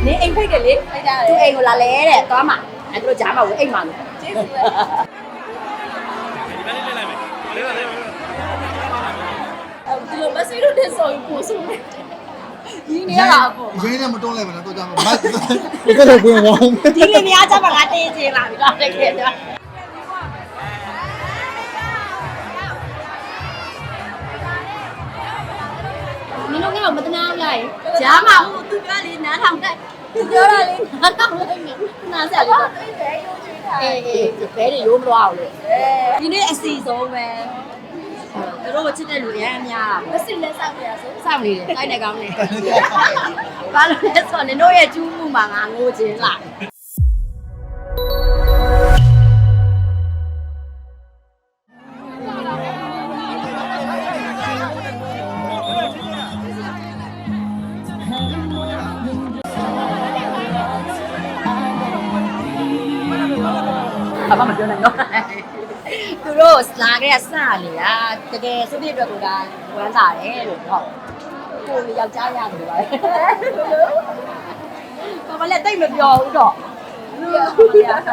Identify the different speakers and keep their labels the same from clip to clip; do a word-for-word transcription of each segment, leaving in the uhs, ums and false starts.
Speaker 1: နေအိမ်ဖိတ်တယ်လေသူအိမ်ကိုလာလဲတဲ့သွားမှာအဲ့တို့ကြားမှာဝင်အိမ်မှာလို့ကျေးဇူးပဲဒီလိုမဆီလို့တဲ့ဆိုရင်ပို့ဆုံးတယ်ဒီနေရတာပေါ့
Speaker 2: ရင်းနဲ့မတွန်းလိုက်ပါနဲ့တော့ကြမှာမတ်ကတော့ကိုယ်ကောင်း
Speaker 1: ဒီလေများကြမှာငါတင်းချင်းလာပြီတော့တကယ်တော့မင်းတို့ကမတနာဘူးလားကြားမှာဟိုသူပြောလေနားထောင်တက်သူပြောတာလေနားထောင်လိုက်မယ်နားဆက်လေတော့အေးအေးဘဲတွေရိုးမလို့အောင်လေဒီနေ့အစီဆုံးပဲသူတို့ချစ်တဲ့လူအများများမစစ်လက်ဆောက်ရဆိုစောင့်နေတယ်တိုက်နေကောင်းနေဘာလို့လဲဆိုတော့နင်တို့ရဲ့ကျူးမှုမှာငါငိုခြင်းလားအမမပြောနိုင်တော့သူတို့လာခဲ့စလေอ่ะတကယ်စုပြည့်အတွက်ကိုဒါဝမ်းသာတယ်လို့ဟုတ်ကိုယ်ယောက်ျားရတယ်ပါဘာမှလည်းတိတ်မပြောဘူးတော့ဟုတ်ပါဘူး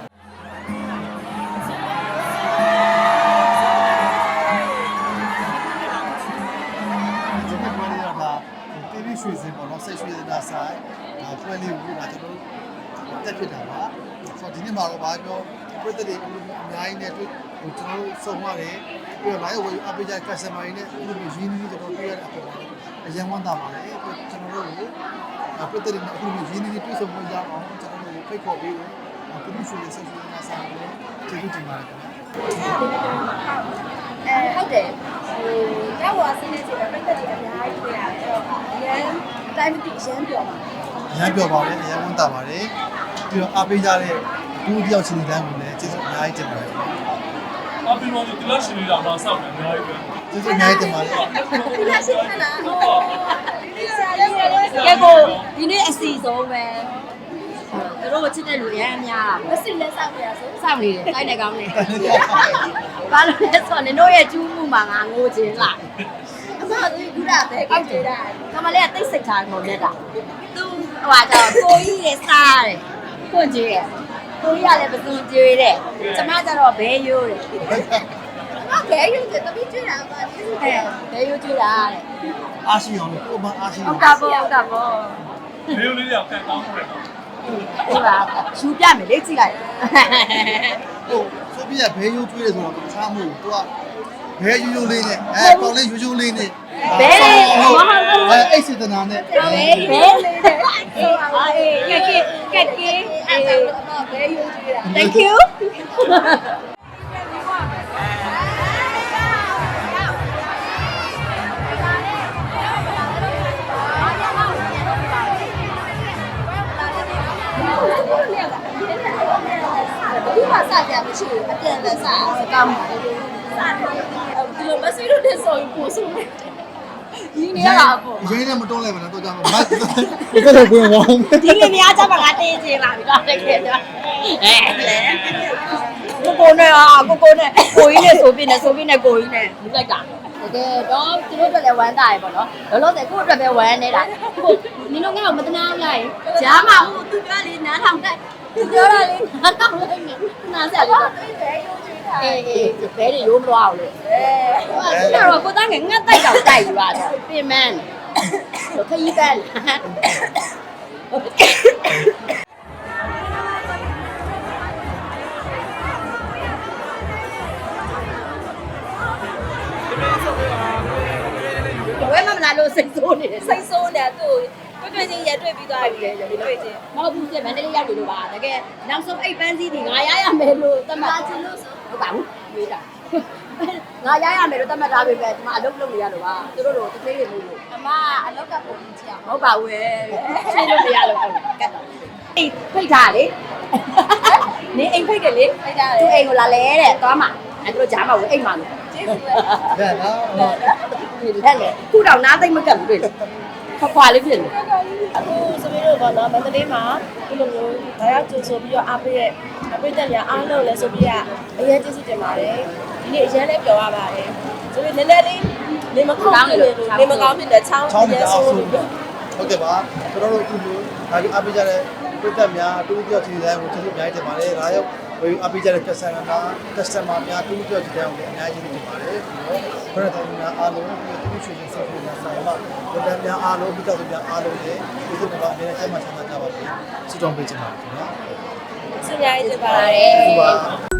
Speaker 2: တီဗီရွှေစင်ပေါ့နော်ဆက်ရွှေစင်တာဆိုင်ဒါပွဲလေးကိုဒါကျွန်တော်တက်ဖြစ်တာပါဆိုတော့ဒီနေ့မှာတော့ဘာပြောပြည့်တဲ့အများကြီးနဲ့တွေ့ဟိုကျွန်တော်စုံရတယ်ပြီးတော့ live ဝယ်အပေးကြ customer တွေနဲ့ဒီလိုရင်းနှီးကျွန်တော်တွေ့ရတဲ့အပေါ်အရင်ဝမ်းသာပါတယ်ကျွန်တော်တို့ကိုပြည့်တဲ့အခုလိုရင်းနှီးတွေ့ဆုံဖို့ရအောင်ကျွန်တော်တို့ဖိတ်ခေါ်ပေးလို့တီဗီရွှေဆက်ရွှေစင်တာဆိုင်ကိုကျေးဇူးတင်ပါတယ်ခင်ဗျာ
Speaker 1: အဲဟုတ်တယ်ဟိုတောက်ဝါစင်းနေချိန်မှာပြည့်တဲ့အများကြီးတွေ့ရတယ်အဲ့တော့အရင်တိုင်းတိရမ်းပြောပါ
Speaker 2: အရင်ပြောပါတယ်အရင်ဝမ်းသာပါတယ်ပြီးတော့အားပေးကြတဲ့ဘူးတယောက်ချင်းတိုင်းကိုလည်းကျေးဇူးအများကြီးတင်ပါတယ်
Speaker 3: ။အားပေးလို့ဒီလက်ရှိလေးတော့မဆောက်တယ်အများကြီးပဲ
Speaker 2: ။ကျေးဇူးအများကြီးတင်ပါတယ်
Speaker 1: ။ဒီလက်ရှိခဏဟုတ်။ကဲကိုဒီနေ့အစီဆုံးပဲ။သူတို့ချစ်တဲ့လူအများများမစစ်လက်ဆောက်ရဆိုစောင့်နေတယ်တိုက်နေကောင်းနေ။ဘာလို့လဲဆိုတော့နင်တို့ရဲ့ကျူးမှုမှာငါငိုခြင်းလား။အမကဒီကူတာပဲကောက်ကြတာ။ကမလေးကတိတ်စိတ်ထားကုန်နေတာ။သူဟိုဟာကြောကိုကြီးရဲ့စားတယ်။ခွန့်ကြီးရဲ့ကိုကြီးကလည်းပစုံကျွေးတဲ့ကျမကျတော့ဘဲရိုးတယ်ဘဲရိုးတယ်တပည့်ကျွေးတာပါကျေးဇူးတင်ဘဲရိုးကျွေးတာတဲ့
Speaker 2: အားရှိအောင်လို့ကိုမအားရှိအောင်
Speaker 1: ဟုတ်တာပေါ့ဟုတ်တာပေါ့
Speaker 3: လေးလေးရောက်ကန်ကောင်းတယ်
Speaker 1: ဒီပါရှူပြမယ်လေကြည့်လိုက်
Speaker 2: ဟိုဆိုပြီးရဘဲရိုးကျွေးတယ်ဆိုတော့တခြားမဟုတ်ဘူးသူကဘဲရိုးရိုးလေးနဲ့အဲပေါင်လေးရိုးရိုးလေးနဲ့
Speaker 1: ဘဲဟုတ်
Speaker 2: အဲအိတ်စေတနာနဲ့
Speaker 1: ဘဲဘဲလေးနဲ့အေးအာအေးကက်ကက်ကက်ကအေးအမဘဲရိုးကျွေးတာ Thank you ဒီမှာစကြမရှိဘူးအပြန်လက်စကောင်းပါလေစတယ်ဒီလိုမဆီလို့တဲ့ဆိုရင်ပို့ဆုံးတယ်ဒီနေရတာပေါ့
Speaker 2: ရင်းနဲ့မတွန်းလိုက်ပါနဲ့တော့ကြမှာမတ်ကတော့ကိုယ်ကောင်း
Speaker 1: ဒီလေများကြမှာငါတင်းချင်းလာပြီတော့တကယ်တော့အဲကိုကိုနဲ့อ่ะကိုကိုနဲ့ကိုကြီးနဲ့ဆိုပြနေဆိုပြနေကိုကြီးနဲ့လူလိုက်တာတကယ်တော့သူတို့အတွက်လည်းဝမ်းသာရပေါ့နော်လောလောဆယ်ကိုယ့်အတွက်ပဲဝမ်းနေတာကိုနင်တို့ငါ့ကိုမတနာဘူးလားကြားမှာဟိုသူပြောလေနားထောင်တက်သူပြောတာလေနားထောင်လိုက်မယ်နားဆက်လေတော့အေးအေးဘဲတွေရိုးမလို့အောင်လေအဲတော့ကိုသားငယ်ငတ်တိုက်တော့တိုက်ယူရတယ်ပြင်မန်းခရီးကန်ဝဲမမလာလို့စိတ်ဆိုးနေတယ်စိတ်ဆိုးနေသူ့တွေ့ချင်းရတွေ့ပြီးသွားပြီလေတွေ့ချင်းမဟုတ်ဘူးပြမန္တလေးရောက်ပြီလို့ပါတကယ်နောက်ဆုံးအိတ်ပန်းစည်းဒီငါရရမယ်လို့သတ်မှတ်ချင်လို့ဟုတ်ပါဘူးမေးတာငါရရမယ်လို့သတ်မှတ်ထားပြီပဲဒီမှာအလုပ်လုပ်နေရလို့ပါသူတို့တို့တစ်သေးတွေလို့အမအလုပ်ကပုံကြီးချင်မဟုတ်ပါဘူးရှင်းလို့မရလို့ဟုတ်ကတ်တော့အိတ်ဖိတ်ထားလေနေအိမ်ဖိတ်တယ်လေဖိတ်ထားတယ်သူအိမ်ကိုလာလဲတဲ့သွားမှာအဲ့တို့ကြားမှာဝင်အိမ်မှာလို့ကျေးဇူးပဲ
Speaker 2: ဒါနော်
Speaker 1: ဒီလက်လေခုတော့နားသိမ့်မကတ်ဘူးတွေ့ခွာခွာလေးဖြစ်နေ
Speaker 4: အခုဆိုပြီးတော့ဗောနော်မန္တလေးမှာဒီလိုမျိုးဒါရောက်ကြိုဆိုပြီးတော့အားပေးရဲ့အပိတ်တက်ညာအားလုံးလဲဆိုပြီးကအရေးကြီးစစ်တင်ပါတယ်ဒီနေ့အရင်လည်းပြောရပါတယ်ဆိုပြီးနည်းနည်းလေးနေမကောင်းနေလို့နေမကောင်းဖြစ်တဲ့ချောင်း
Speaker 2: ချောင်းတအားဆိုဟုတ်ကဲ့ပါကျွန်တော်တို့အခုလိုဒါကြီးအားပေးကြတဲ့ပြည်သက်များတူတူချီတိုင်းကိုကျေးဇူးအများကြီးတင်ပါတယ်ဒါရောက်ဝေအားပေးကြတဲ့ customer များ customer များတူတူချီတိုင်းကိုအများကြီးတင်ပါတယ်ပြီးတော့ဘယ်တော့မှအားလုံးဒီတူချီချင်းဆက်ပြီးတော့ဆိုင်မှာပြည်သက်များအားလုံးပြည်သက်များအားလုံးရဲ့ဒီလိုပါအများကြီးဆက်မှချမ်းသာကြပါစေဆုတောင်းပေးချင်ပါတယ်ခင်ဗျာ
Speaker 4: ဆုများရေးတင်ပါတယ်